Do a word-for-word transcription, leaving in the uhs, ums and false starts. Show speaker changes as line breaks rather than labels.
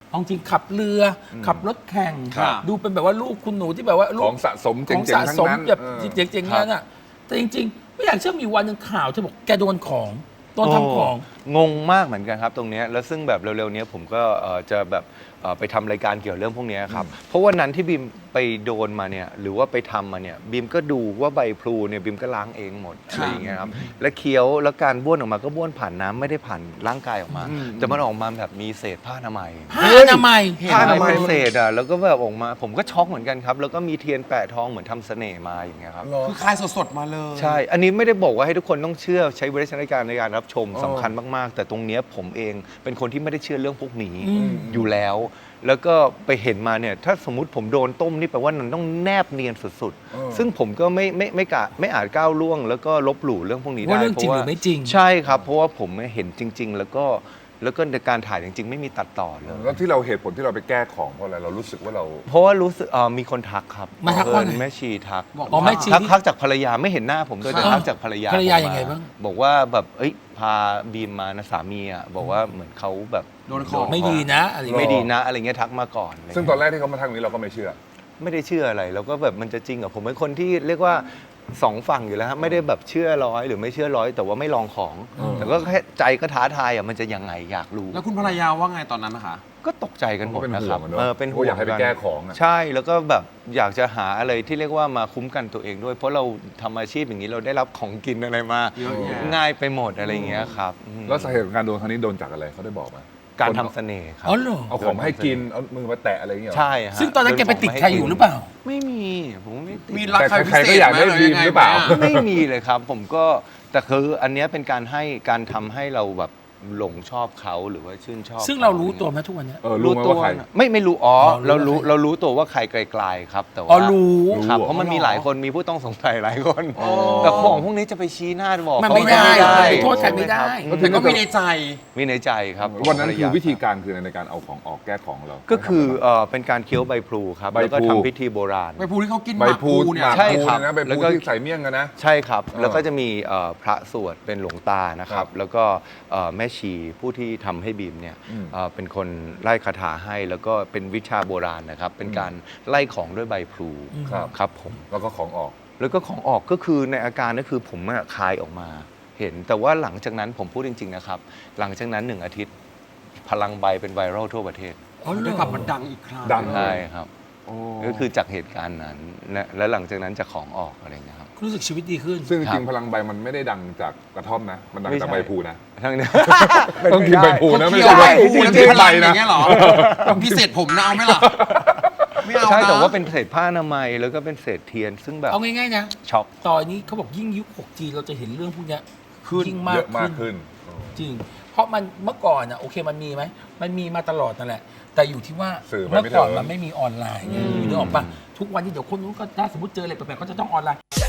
เอาจริงขับเรือขับรถแข่งดูเป็นแบบว่าลูกคุณหนูที่แบบว่าลูก
ของสะสมเจ๋งๆทั้งนั้น
แบบเจ๋งๆนั้นอ่ะแต่จริงๆไม่อยากเชื่อมีวันหนึ่งข่าวเธอบอกแกโดนของโดนทำของ
งงมากเหมือนกันครับตรงนี้แล้วซึ่งแบบเร็วๆนี้ผมก็จะแบบไปทำรายการเกี่ยวเรื่องพวกนี้ครับเพราะวันนั้นที่บีมไปโดนมาเนี่ยหรือว่าไปทำมาเนี่ยบีมก็ดูว่าใบพลูเนี่ยบีมก็ล้างเองหมดอะไรอย่างเงี้ยครับและเคี้ยวแล้วการบ้วนออกมาก็บ้วนผ่านน้ำไม่ได้ผ่านร่างกายออกมาแต่มันออกมาแบบมีเศษผ้าอนามัย
ผ้าอนามัย
ผ้าอนามัยเศษอ่ะแล้วก็แบบออกมาผมก็ช็อกเหมือนกันครับแล้วก็มีเทียนแปะท้องเหมือนทำเสน่ห์มาอย่างเงี้ยครับ
คือคายสดๆมาเลย
ใช่อันนี้ไม่ได้บอกว่าให้ทุกคนต้องเชื่อใช้วิจารณญาณในการรับชมสำคัญมากๆแต่ตรงเนี้ยผมเองเป็นคนที่ไม่ได้เชื่อเรื่องพวกนี้อยู่แล้วแล้วก็ไปเห็นมาเนี่ยถ้าสมมติผมโดนต้มนี่แปลว่ามันต้องแนบเนียนสุดๆซึ่งผมก็ไม่ไม่ไม่กะไม่อาจก้าวล่วงแล้วก็ลบหลู่เรื่องพวกนี้ได้
ว่าเรื่องจริงหรือไม่จริง
ใช่ครับเพราะว่าผมเห็นจริงๆแล้วก็แล้วก็ในการถ่ายจริงๆไม่มีตัดต่อเลย
แล้วที่เราเหตุผลที่เราไปแก้ของเพราะอะไรเรารู้สึกว่าเรา
เพราะว่ารู้สึกมีคนทักครับ
มาทักว่า
แม่ชีทัก
อ๋อแม่ชี
ทักจากภรรยาไม่เห็นหน้าผมด้วยแต่ทักจากภรรยา
ภรรยายังไงบ้าง
บอกว่าแบบเอ้ยพาบีมมานะสามีอ่ะบอกว่าเหมือนเขาแบบ
โดนของ
ไม่ดีนะอะไร
ไม่ดีนะอะไรเงี้ยทักมาก่อน
ซึ่งตอนแรกที่เขามาทักนี้เราก็ไม่เชื่อ
ไม่ได้เชื่ออะไรแล้วก็แบบมันจะจริงเหรอผมเป็นคนที่เรียกว่าสองฝั่งอยู่แล้วครับไม่ได้แบบเชื่อร้อยหรือไม่เชื่อร้อยแต่ว่าไม่ลองของแต่ก็แค่ใจก็ท้าทายอ่ะมันจะยังไงอยากรู้
แล้วคุณภรรยาว่าไงตอนนั้นนะคะ
ก็ตกใจกันหมดนะครับ
เออเป็นห่วงอยากให้ไปแก้ของ
ใช่แล้วก็แบบอยากจะหาอะไรที่เรียกว่ามาคุ้มกันตัวเองด้วยเพราะเราทำอาชีพอย่างนี้เราได้รับของกินอะไรมาง่ายไปหมดอะไรเงี้ยครับ
แล้วสาเหตุของการโดนครั้งนี้โดนจากอะไรเขาได้บอกไหม
การทำเสน่ห์ครับ
เอาของมาให้กินเอามือมาแตะอะไรอย่างเงี้ย
ใช่
ซึ่งตอนนั้นแกไปติดใครอยู่หรือเปล่า
ไม่มีผมไม่
มีรักใครพิเศษ
ก็อยากได้บีมหรือเปล่า
ไม่มีเลยครับผมก็แต่คืออันนี้เป็นการให้การทำให้เราแบบหลงชอบเขาหรือว่าชื่นชอบ
ซึ่งเรารู้ตัวไหมทุกวันนี้
รู้ตัว
ไม่ไม่รู้อ๋อเรารู้เรารู้ตัวว่าใครไกลๆครับแต่ว่า
อ๋อรู้
ครับเพราะมันมีหลายคนมีผู้ต้องสงสัยหลายคนแต่ของพวกนี้จะไปชี้หน้าบอก
มันไม่ได้โทษใครไม่ได้
แต่ก็มีในใจ
มีในใจครับ
วันนั้นคือวิธีการคือในการเอาของออกแก้ของเรา
ก็คือเป็นการเคี้ยวใบพลูครับแล้วก็ทำพิธีโบราณ
ใบพลูที่เขากิน
ใบพลูเนี่ย
ใช่ครับ
แล้วก็ใส่เมี่ยงกันนะ
ใช่ครับแล้วก็จะมีพระสวดเป็นหลวงตานะครับแล้วก็แม่ชีผู้ที่ทำให้บีมเนี่ยเป็นคนไล่คาถาให้แล้วก็เป็นวิชาโบราณนะครับเป็นการไล่ของด้วยใบพลูครับผม
แล้วก็ของออก
แล้วก็ของออกก็คือในอาการก็คือผมคายออกมาเห็นแต่ว่าหลังจากนั้นผมพูดจริงๆนะครับหลังจากนั้นหนึ่งอาทิตย์พลังใบเป็นไวรัลทั่วประเทศ
ได้กลับมาดังอีกครั้ง
ดัง
ใช่ครับก็คือจากเหตุการณ์นั้นและหลังจากนั้นจะของออกอะไรเงี้ยครับ
รู้สึกชีวิตดีขึ้น
ซึ่งจริงพลังใบมันไม่ได้ดังจากกระท่อมนะมันดังจากใบพลูนะ
ทั้งนี้
ต้องกินใบพลูนะไม่ใช่
ใบพลูแล้วกินใบนะเงี้ยหรอพิเศษผมนะเอาไหมล่ะไม่เอา
ใช่แต่ว่าเป็นเศษผ้าอนามัยแล้วก็เป็นเศษเทียนซึ่งแบบ
เอาง่ายๆนะ
ช็อก
ตอนนี้เขาบอกยิ่งยุค หกจี เราจะเห็นเรื่องพวกนี้ยิ่งมากขึ้นจริงเพราะมันเมื่อก่อนอ่ะโอเคมันมีไหมมันมีมาตลอดนั่นแหละแต่อยู่ที่ว่าเมื่อก่อนมันไม่มีออนไลน์ไงนึกออกปะทุกวันนี้เดี๋ยวคนนู้นก็ถ้าสมมติเจออะไรแปลกๆก็จะต้องออนไลน์